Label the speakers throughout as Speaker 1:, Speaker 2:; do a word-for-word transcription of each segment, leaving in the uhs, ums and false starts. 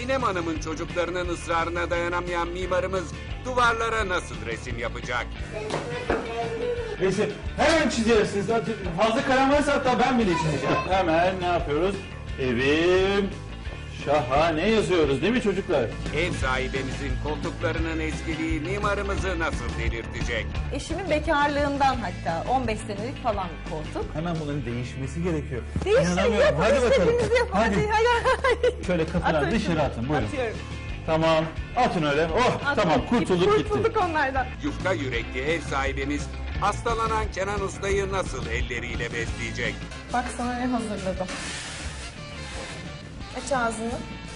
Speaker 1: Sinem Hanım'ın çocuklarının ısrarına dayanamayan mimarımız duvarlara nasıl resim yapacak?
Speaker 2: Resim hemen çizersiniz. Fazla kalem varsa hatta ben bile çizeceğim. Hemen ne yapıyoruz? Evim şahane yazıyoruz değil mi çocuklar?
Speaker 1: Ev sahibimizin koltuklarının eskiliği mimarımızı nasıl delirtecek?
Speaker 3: Eşimin bekarlığından hatta on beş senelik falan bir koltuk.
Speaker 2: Hemen bunların değişmesi gerekiyor.
Speaker 3: Değiştirin,
Speaker 2: İnanamıyorum.
Speaker 3: yapın,
Speaker 2: Hadi bakalım.
Speaker 3: istediğinizi yapın.
Speaker 2: Hadi.
Speaker 3: Hadi, hadi, hadi.
Speaker 2: Şöyle kafadan
Speaker 3: Atın
Speaker 2: dışarı
Speaker 3: şunu.
Speaker 2: atın. Buyurun.
Speaker 3: Atıyorum.
Speaker 2: Tamam. Atın öyle. Oh
Speaker 3: Atın.
Speaker 2: tamam kurtulduk gitti.
Speaker 3: Kurtulduk onlardan.
Speaker 1: Yufka yürekli ev sahibimiz hastalanan Kenan Usta'yı nasıl elleriyle besleyecek?
Speaker 3: Bak sana ne hazırladım. Aç ağzını.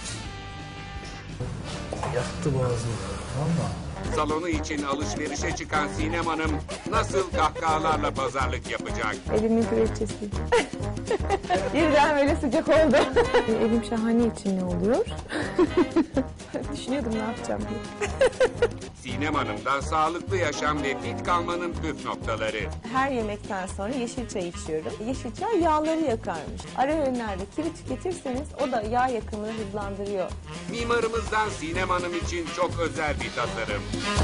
Speaker 2: Yaktı boğazım. Valla.
Speaker 1: Salonu için alışverişe çıkan Sinem Hanım nasıl kahkahalarla pazarlık yapacak?
Speaker 3: Evimin güveçesi. Birden böyle sıcak oldu. Evim şahane için ne oluyor? Düşünüyordum ne yapacağım diye.
Speaker 1: Sinem Hanım'dan sağlıklı yaşam ve fit kalmanın püf noktaları.
Speaker 4: Her yemekten sonra yeşil çay içiyorum. Yeşil çay yağları yakarmış. Ara öğünlerde kivi tüketirseniz o da yağ yakımını hızlandırıyor.
Speaker 1: Mimarımızdan Sinem Hanım için çok özel bir tasarım.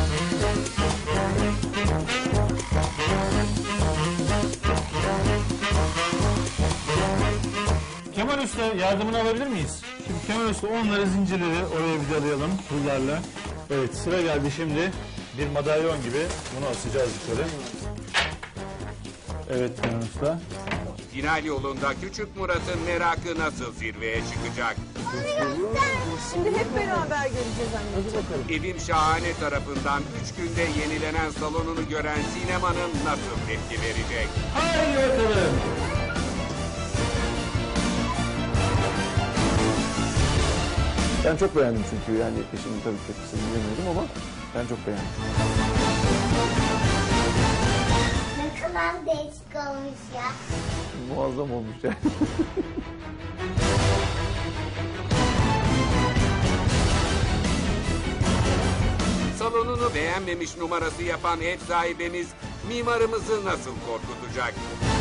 Speaker 2: Kemal Usta yardımını alabilir miyiz? Şimdi Kemal Usta onları zincirleri oraya vidalayalım pullarla. Evet sıra geldi şimdi bir madalyon gibi bunu asacağız yukarı. Evet Kemal Usta.
Speaker 1: Final yolunda Küçük Murat'ın merakı nasıl zirveye çıkacak?
Speaker 4: Şimdi hep beraber göreceğiz anneciğim.
Speaker 1: Evim Şahane tarafından üç günde yenilenen salonunu gören Sinem Hanım nasıl tepki verecek?
Speaker 2: Haydi bakalım.
Speaker 5: Ben çok beğendim çünkü yani eşimin tabii tepkisini bilmiyordum ama ben çok beğendim.
Speaker 6: Ne kadar değişik olmuş ya.
Speaker 5: Muazzam olmuş yani.
Speaker 1: Salonunu beğenmemiş numarası yapan ev sahibimiz mimarımızı nasıl korkutacak?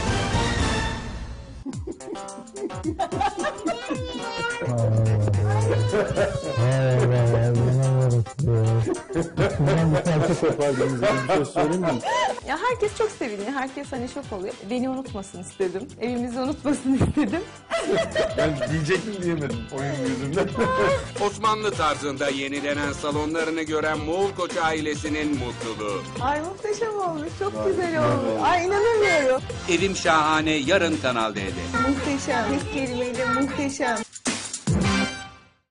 Speaker 5: Bir şey söyleyeyim mi?
Speaker 4: Ya herkes çok seviniyor. Herkes hani şok oluyor. Beni unutmasın istedim. Evimizi unutmasın istedim.
Speaker 5: Ben diyecektim diyemedim oyun yüzünden.
Speaker 1: Osmanlı tarzında yenilenen salonlarını gören Moğol Koç ailesinin mutluluğu.
Speaker 4: Ay muhteşem olmuş. Çok güzel olmuş. Ay inanamıyorum.
Speaker 1: Evim Şahane yarın Kanal D'de.
Speaker 4: Muhteşem. Tek kelimeyle muhteşem.